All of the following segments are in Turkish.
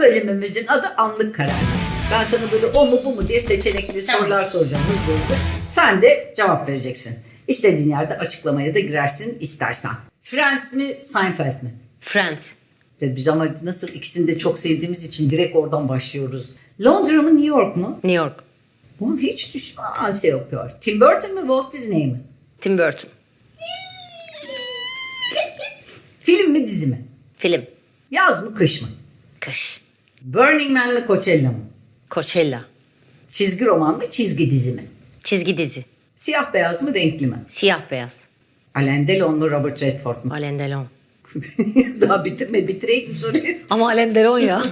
bölümümüzün adı Anlık Karar. Ben sana böyle o mu bu mu diye seçenekli sorular soracağım hızlı hızlı. Sen de cevap vereceksin. İstediğin yerde açıklamaya da girersin istersen. Friends mi Seinfeld mi? Friends. Biz ama nasıl ikisini de çok sevdiğimiz için direkt oradan başlıyoruz. Londra mı New York mu? New York. Bunu hiç düşman şey yapıyor. Tim Burton mu Walt Disney mi? Tim Burton. Film mi dizi mi? Film. Yaz mı kış mı? Kış. Burning Man mi Coachella mı? Coachella. Çizgi roman mı çizgi dizi mi? Çizgi dizi. Siyah beyaz mı renkli mi? Siyah beyaz. Alain Delon mu Robert Redford mu? Alain Delon. Daha bitireyim mi soruyu? Ama Alain Delon ya.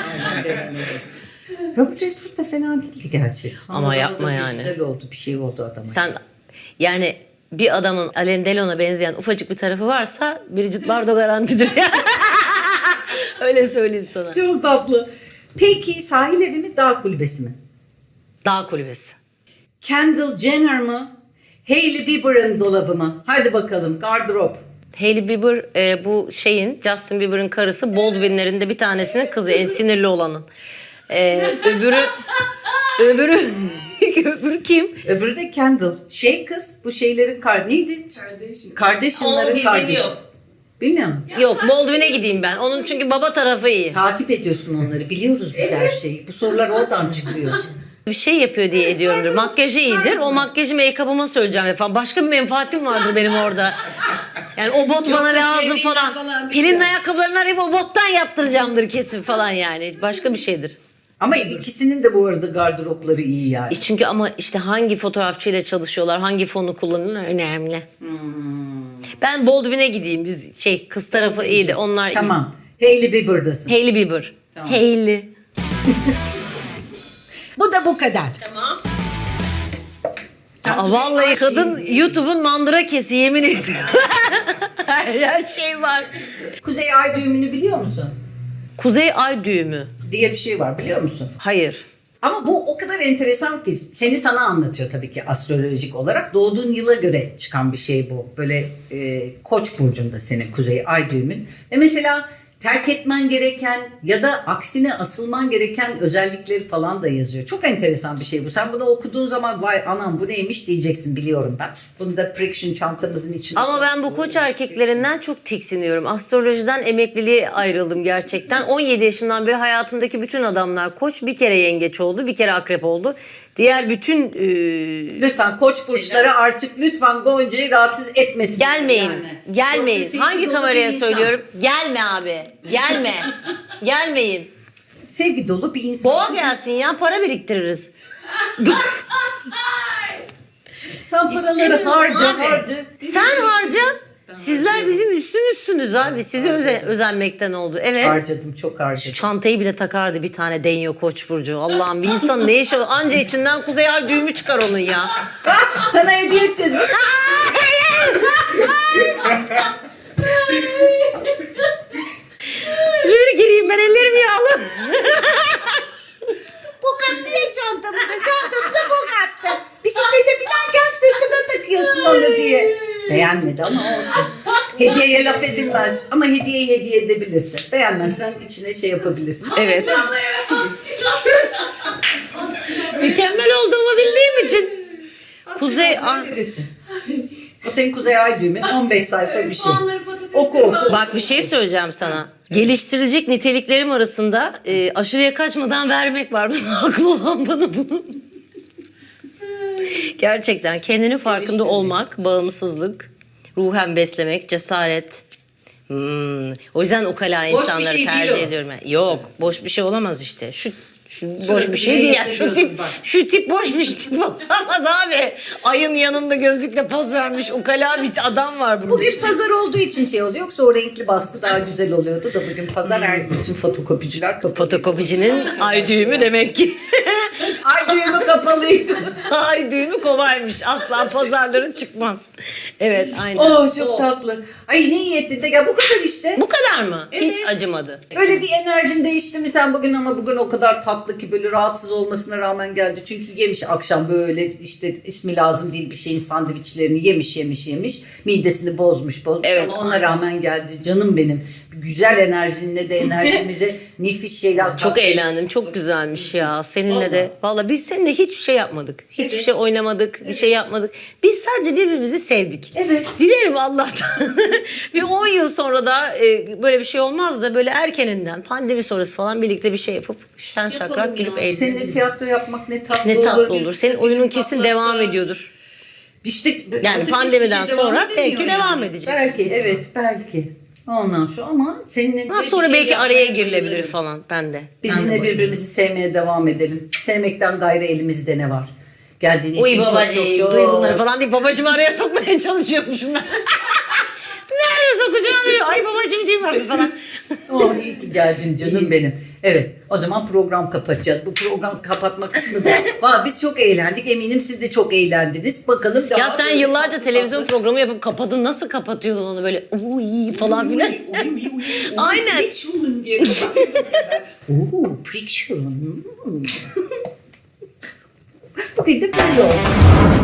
Robert Redford da fena değildi gerçi. Ama Sonradan yapma da yani. Güzel oldu bir şey oldu adama. Sen yani bir adamın Alain Delon'a benzeyen ufacık bir tarafı varsa Brigitte Bardot garantidir. Öyle söyleyeyim sana. Çok tatlı. Peki sahil evi mi dağ kulübesi mi? Dağ kulübesi. Kendall Jenner mı? Hailey Bieber'ın dolabı mı? Hadi bakalım gardırop. Hailey Bieber bu Justin Bieber'ın karısı, Baldwin'lerin de bir tanesinin kızı, en sinirli olanın. Öbürü öbürü kim? Öbürü de Kendall. Kız bu şeylerin neydi? Kardashian'ların kardeşi. Bilmiyor musun? Yok, Baldwin'e gideyim ben. Onun çünkü baba tarafı iyi. Takip ediyorsun onları. Biliyoruz biz her şeyi. Bu sorular oradan çıkıyor. Bir şey yapıyor diye ediyorumdur. Makyajı iyidir. O makyajı make-up'ıma söyleyeceğim falan. Başka bir menfaatim vardır benim orada. Yani o bot bana lazım falan. Pelin ayakkabılarını arayıp o bottan yaptıracağımdır kesin falan yani. Başka bir şeydir. Ama ikisinin de bu arada gardıropları iyi yani. Çünkü ama işte hangi fotoğrafçıyla çalışıyorlar, hangi fonu kullanıyorlar önemli. Ben Baldwin'e gideyim. Biz kız tarafı iyiydi. Onlar iyi. Tamam. Hailey Bieber'dasın. Hailey Bieber. Tamam. Hailey. Bu da bu kadar. Tamam. Vallahi kadın YouTube'un mandıra kesi, yemin ediyorum. Her şey var. Kuzey Ay düğümünü biliyor musun? Kuzey Ay düğümü. Diye bir şey var biliyor musun? Hayır. Ama bu o kadar enteresan ki sana anlatıyor tabii ki astrolojik olarak. Doğduğun yıla göre çıkan bir şey bu. Böyle Koç burcunda senin Kuzey Ay düğümün. Ve mesela terk etmen gereken ya da aksine asılman gereken özellikleri falan da yazıyor. Çok enteresan bir şey bu. Sen bunu okuduğun zaman vay anam bu neymiş diyeceksin biliyorum ben. Bunu da Friction çantamızın içine. Ama ben bu koç erkeklerinden çok tiksiniyorum. Astrolojiden emekliliğe ayrıldım gerçekten. 17 yaşımdan beri hayatımdaki bütün adamlar koç, bir kere yengeç oldu, bir kere akrep oldu. Diğer bütün... Lütfen koç burçları artık lütfen Gonca'yı rahatsız etmesin. Gelmeyin. Yani. Gelmeyin. Yoksa Hangi sevgi dolu kameraya bir insan. söylüyorum? Gelme abi. Gelme. Gelmeyin. Sevgi dolu bir insan. Boğa gelsin ya, para biriktiririz. Sen paraları harca. Sen harca. Sizler bizim üstümüzsünüz abi. Size özenmekten oldu. Evet. Harcadım çok Şu harcadım. çantayı bile takardı bir tane Denyo Koç burcu. Allah'ım, bir insan ne işi olur? Anca içinden Kuzey Ay düğümü çıkar onun ya. Sana hediye edeceğiz. Şöyle gireyim ben, ellerim yağlı. Bok attı ya çantamıza bok attı. Bisiklete binerken sırtına takıyorsun onu diye. Beğenmedi ama olsun. Hediyeye laf edilmez. Ama hediyeyi hediye edebilirsin. Beğenmezsen içine şey yapabilirsin. Evet. Mükemmel olduğumu bildiğim için. Kuzey Ay. Verirsin. O senin Kuzey Ay düğümün 15 sayfa bir şey. Oku. Bak bir şey söyleyeceğim sana. Geliştirilecek niteliklerim arasında aşırıya kaçmadan vermek var. Haklı olan bana bunu. Gerçekten kendini farkında olmak, bağımsızlık, ruhen beslemek, cesaret. O yüzden ukala Boş bir insanları şey değil tercih o. ediyorum. Yok, boş bir şey olamaz işte. Şu boş Şurası bir şey bile değil. Yani. hissediyorsun bak. Şu tip boş bir şey olamaz abi. Ayın yanında gözlükle poz vermiş ukala bir adam var burada. Bugün pazar olduğu için şey oluyor. Yoksa o renkli baskı daha güzel oluyordu da bugün pazar bütün fotokopiciler kapalı. Fotokopicinin ay düğümü demek ki. Ay düğümü kapalıydı. Ay düğümü kolaymış. Asla pazarların çıkmaz. Evet, aynen. Oh çok tatlı. Ay ne iyi ettin de ya bu kadar işte. Bu kadar mı? Evet. Hiç acımadı. Öyle bir enerjin değişti mi sen bugün ama bugün o kadar tatlı ki böyle rahatsız olmasına rağmen geldi. Çünkü yemiş akşam böyle işte ismi lazım değil bir şeyin sandviçlerini yemiş. Midesini bozmuş Evet. ama ona rağmen geldi canım benim. güzel enerjinle de enerjimize nefis şeyler Çok kattın. eğlendim. Çok güzelmiş ya. Seninle de. Valla biz seninle hiçbir şey yapmadık. Hiçbir şey oynamadık. Bir şey yapmadık. Biz sadece birbirimizi sevdik. Evet. Dilerim Allah'tan. Bir 10 yıl sonra da böyle bir şey olmaz da böyle erkeninden pandemi sonrası falan birlikte bir şey yapıp şen şakrak gülüp Seninle eğlenelim. tiyatro yapmak ne tatlı Ne olur. tatlı olur. Senin oyunun kesin patlatsa. devam ediyordur. İşte Yani öteki pandemiden hiçbir şey devam sonra edemiyor belki yani. devam edecek. Belki evet belki. Ondan sonra ama seninle Daha bir sonra şey belki araya yapmaya girilebilir bayılırım. falan. Ben de. Biz Ben de yine bayılırım. birbirimizi sevmeye devam edelim. Sevmekten gayrı elimizde ne var? Geldiğin Uy için babacığım çok duy bunları falan deyip babacığımı araya sokmaya çalışıyormuşum ben. Nerede sokacağım diyor. Ay babacığım duymasın falan. Oh iyi ki geldin canım benim. Evet o zaman program kapatacağız. Bu program kapatma kısmı da. Valla biz çok eğlendik. Eminim siz de çok eğlendiniz. Bakalım daha Ya sen böyle yıllarca tatlı televizyon tatlı- programı yapıp kapadın. Nasıl kapatıyordun onu böyle uy falan filan. Aynen. Friction diye kapatıyoruz ya. Oo, friction. Bir de böyle oldu.